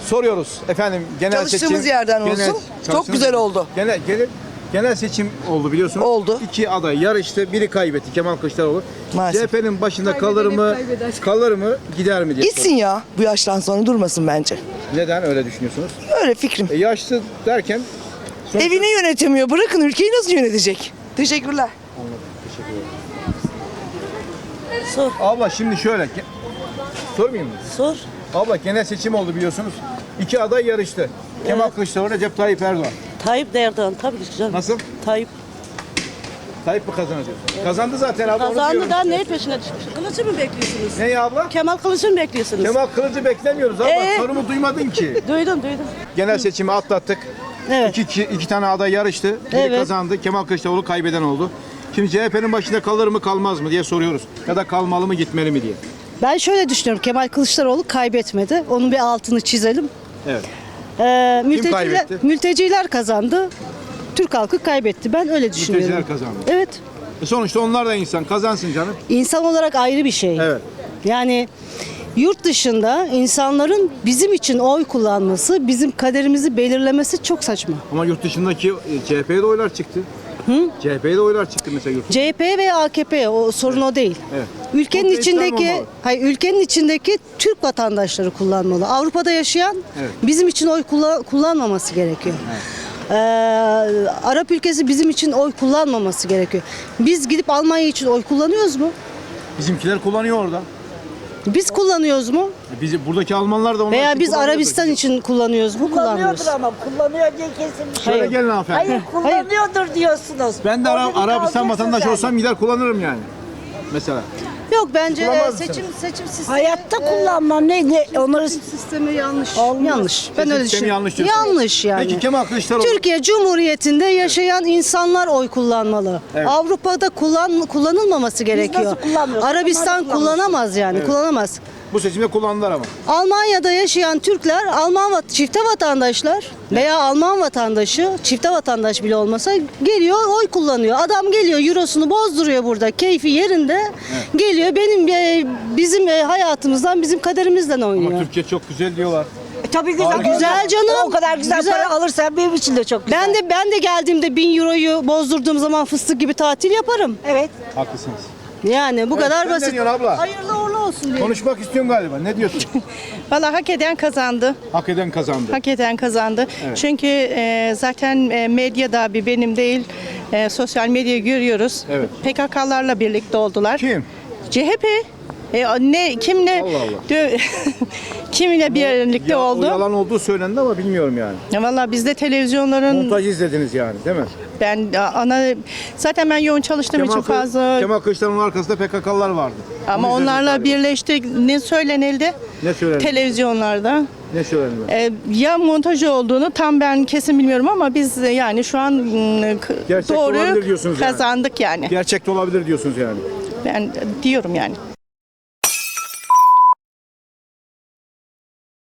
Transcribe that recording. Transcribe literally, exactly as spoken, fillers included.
soruyoruz efendim genel Çalıştığımız seçim. yerden genel- olsun. Çok çalıştığımız- güzel oldu. Genel, genel, genel seçim oldu biliyorsunuz. Oldu. İki aday yarıştı. Biri kaybetti Kemal Kılıçdaroğlu. Maalesef. C H P'nin başında kalır mı? Kalır mı? Gider mi diye. Gitsin ya bu yaştan sonra durmasın bence. soruyorum. Neden öyle düşünüyorsunuz? Öyle fikrim. E, yaşlı derken sonuçta- Evini yönetemiyor. Bırakın ülkeyi nasıl yönetecek? Teşekkürler. Anladım. Teşekkür ederim. Sor, Abla şimdi şöyle. ge- Sormayayım mı? sor. Abla genel seçim oldu biliyorsunuz. İki aday yarıştı. Kemal Kılıçdaroğlu, Recep Tayyip Erdoğan. Tayyip de Erdoğan tabii ki canım. Nasıl? Tayyip Tayyip mi kazanır diyorsun? Kazandı zaten abla. onu kazandı diyorum da işte. neyin peşine düşmüş? Kılıcı mı bekliyorsunuz? Ne ya abla? Kemal Kılıcı mı bekliyorsunuz? Kemal Kılıcı beklemiyoruz abla. Ee? Sorumu duymadın ki. Duydum duydum. Genel seçimi atlattık. Evet. İki, iki, iki tane aday yarıştı. Biri Evet. kazandı. Kemal Kılıçdaroğlu kaybeden oldu. Şimdi C H P'nin başında kalır mı kalmaz mı diye soruyoruz. Ya da kalmalı mı gitmeli mi diye. Ben şöyle düşünüyorum. Kemal Kılıçdaroğlu kaybetmedi. Onun bir altını çizelim. Evet. Ee, mülteciler, kaybetti? mülteciler kazandı. Türk halkı kaybetti. Ben öyle düşünüyorum. Mülteciler kazandı. Evet. E sonuçta onlar da insan. Kazansın canım. İnsan olarak ayrı bir şey. Evet. Yani yurt dışında insanların bizim için oy kullanması, bizim kaderimizi belirlemesi çok saçma. Ama yurt dışındaki e, C H P'ye de oylar çıktı. Hı? C H P'ye de oylar çıktı mesela yurt C H P ve A K P o sorun o değil. Evet. Ülkenin Çok da İslam içindeki olmalı. hayır ülkenin içindeki Türk vatandaşları kullanmalı. Avrupa'da yaşayan Evet. bizim için oy kullan- kullanmaması gerekiyor. Ee, Arap ülkesi bizim için oy kullanmaması gerekiyor. Biz gidip Almanya için oy kullanıyoruz mu? Bizimkiler kullanıyor orada. Biz kullanıyoruz mu? E Bizi buradaki Almanlar da onlar Veya için biz kullanıyordur. Arabistan için kullanıyoruz mu? Kullanmıyoruz. Kullanıyordur ama kullanıyor diye kesin bir şey. Şöyle yok. gelin hanımefendi. Hayır kullanıyordur diyorsunuz. Ben de Ara- Orada bir Arabistan kalacaksın vatandaşı sen. olsam gider kullanırım yani. Mesela. Yok bence e, Kullanmaz seçim seçim sistemi Hayatta kullanmam ne ne onları seçim sistemi yanlış. Olmaz. Yanlış. Ben Seçim öyle sistemi düşünüyorum. yanlış diyorsun. Yanlış yani. Peki Kemal Kılıçdaroğlu. Türkiye Cumhuriyeti'nde yaşayan insanlar oy kullanmalı. Evet. Avrupa'da kullan kullanılmaması gerekiyor. nasıl kullanmıyoruz? Arabistan Onlar kullanamaz yani, kullanamaz. Bu seçimde kullandılar ama. Almanya'da yaşayan Türkler, Alman vat- çifte vatandaşlar veya Alman vatandaşı, çifte vatandaş bile olmasa geliyor oy kullanıyor. Adam geliyor eurosunu bozduruyor burada, keyfi yerinde. Geliyor benim e, bizim e, hayatımızdan, bizim kaderimizden Ama oynuyor. Türkiye çok güzel diyorlar. E, tabii güzel. Aa, güzel canım. O kadar güzel, Güzel. para alırsan benim için de çok güzel. Ben de ben de geldiğimde bin euroyu bozdurduğum zaman fıstık gibi tatil yaparım. Evet. Haklısınız. Yani bu Evet, kadar sen ne basit. diyorsun abla? Hayırlı uğurlu olsun diye. Konuşmak istiyorsun galiba. Ne diyorsun? Valla hak eden kazandı. Hak eden kazandı. Hak eden kazandı. Evet. Çünkü e, zaten e, medyada bir benim değil e, sosyal medyayı görüyoruz. Evet. P K K'larla birlikte oldular. Kim? C H P. E, ne kimle Allah Allah. dö- kiminle birlikte Ya, o oldu? yalan olduğu söylendi ama bilmiyorum yani. Ya Valla bizde televizyonların Montaj izlediniz yani değil mi? ben ana zaten ben yoğun çalıştığım için Kılıç- fazla Kemal Kılıçdaroğlu'nun arkasında P K K'lılar vardı. ama Onu izlediniz onlarla galiba. birleşti ne söylenildi? Ne söylendi? Televizyonlarda. Ne söylendi? Ee, ya montaj olduğunu tam ben kesin bilmiyorum ama biz e, yani şu an mm, k- Gerçek olabilir doğru diyorsunuz yani. kazandık yani. Gerçekte olabilir diyorsunuz yani. Ben e, diyorum yani.